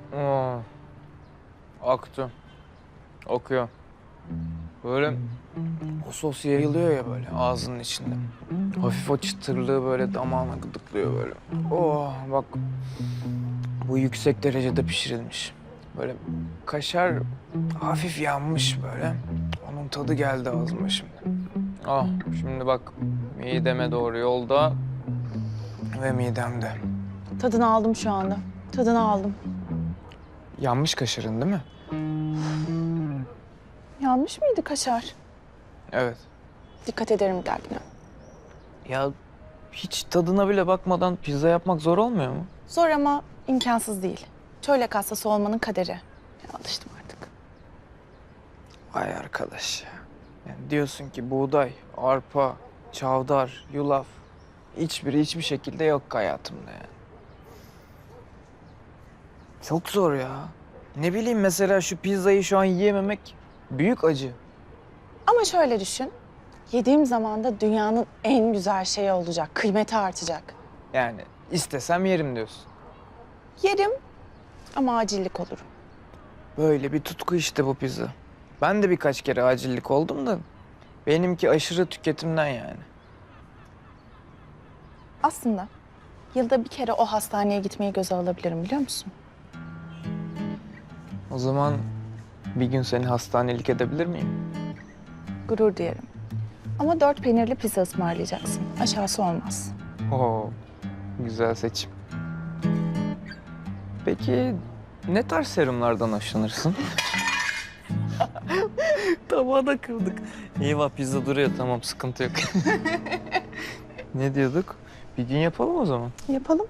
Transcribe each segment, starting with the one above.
Oo, aktı. Okuyor. Böyle o sos yayılıyor ya böyle ağzının içinde. Hafif o çıtırlığı böyle damağına gıdıklıyor böyle. Oh bak bu yüksek derecede pişirilmiş. Böyle kaşar hafif yanmış böyle. Onun tadı geldi ağzıma şimdi. Ah şimdi bak mideme doğru yolda ve midemde. Tadını aldım şu anda. Tadını aldım. Yanmış kaşarın değil mi? Yanmış mıydı kaşar? Evet. Dikkat ederim dergine. Ya hiç tadına bile bakmadan pizza yapmak zor olmuyor mu? Zor ama imkansız değil. Çölyak hastası olmanın kaderi. Ya, alıştım artık. Vay arkadaş ya. Yani diyorsun ki buğday, arpa, çavdar, yulaf hiçbiri hiçbir şekilde yok hayatımda yani. Çok zor ya. Ne bileyim mesela şu pizzayı şu an yiyememek büyük acı. Ama şöyle düşün. Yediğim zaman da dünyanın en güzel şeyi olacak. Kıymeti artacak. Yani istesem yerim diyorsun. Yerim ama acillik olurum. Böyle bir tutku işte bu pizza. Ben de birkaç kere acillik oldum da benimki aşırı tüketimden yani. Aslında yılda bir kere o hastaneye gitmeyi göze alabilirim biliyor musun? O zaman bir gün seni hastanelik edebilir miyim? Gurur duyarım. Ama 4 peynirli pizza ısmarlayacaksın. Aşağısı olmaz. Oo, güzel seçim. Peki ne tarz serumlardan hoşlanırsın? Tabağı da kırdık. Eyvah pizza duruyor tamam sıkıntı yok. Ne diyorduk? Bir gün yapalım o zaman. Yapalım.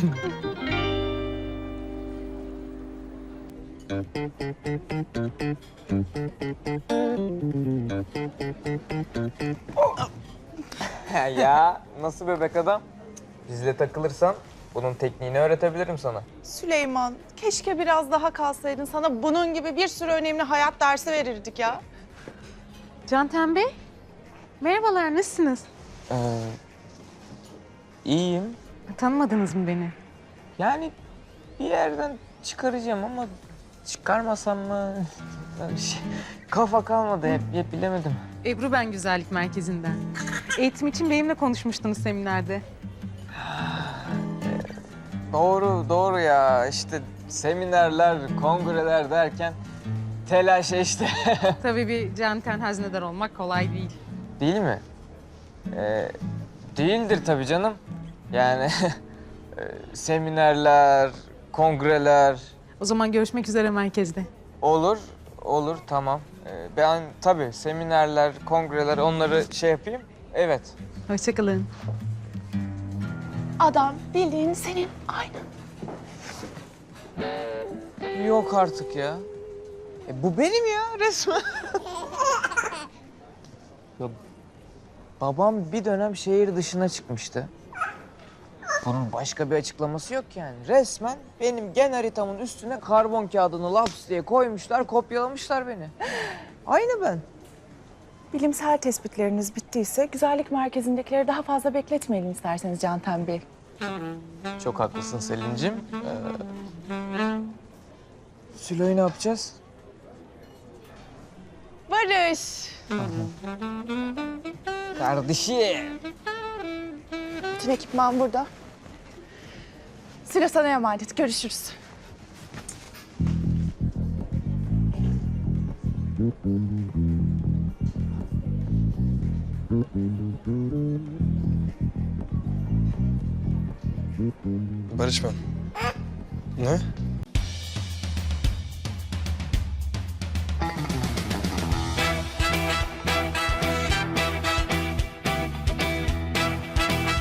Ya nasıl bebek adam? Bizle takılırsan bunun tekniğini öğretebilirim sana. Süleyman, keşke biraz daha kalsaydın. Sana bunun gibi bir sürü önemli hayat dersi verirdik ya. Canten Bey, merhabalar, nasılsınız? İyiyim. Tanımadınız mı beni? Yani bir yerden çıkaracağım ama çıkarmasam mı? Kafa kalmadı hep bilemedim. Ebru ben Güzellik Merkezi'nden. Eğitim için benimle konuşmuştunuz seminerde. Doğru ya işte seminerler, kongreler derken telaş işte. Tabii bir canten hazinedar olmak kolay değil. Değil mi? Değildir tabii canım. Yani seminerler, kongreler O zaman görüşmek üzere merkezde. olur tamam. Ben tabii seminerler, kongreler onları şey yapayım. Evet. Hoşça kalın. Adam bildiğin senin aynı. Yok artık ya. Bu benim ya resmen. Ya, babam bir dönem şehir dışına çıkmıştı. Bunun başka bir açıklaması yok yani. Resmen benim gen haritamın üstüne karbon kağıdını laps diye koymuşlar, kopyalamışlar beni. Aynı ben. Bilimsel tespitleriniz bittiyse güzellik merkezindekileri daha fazla bekletmeyelim isterseniz Canten Bey. Çok haklısın Selin'cim. Sülo'yu ne yapacağız? Barış. Kardeşim. Bütün ekipman burada. Sıra sana emanet. Görüşürüz. Barış ben. Ne?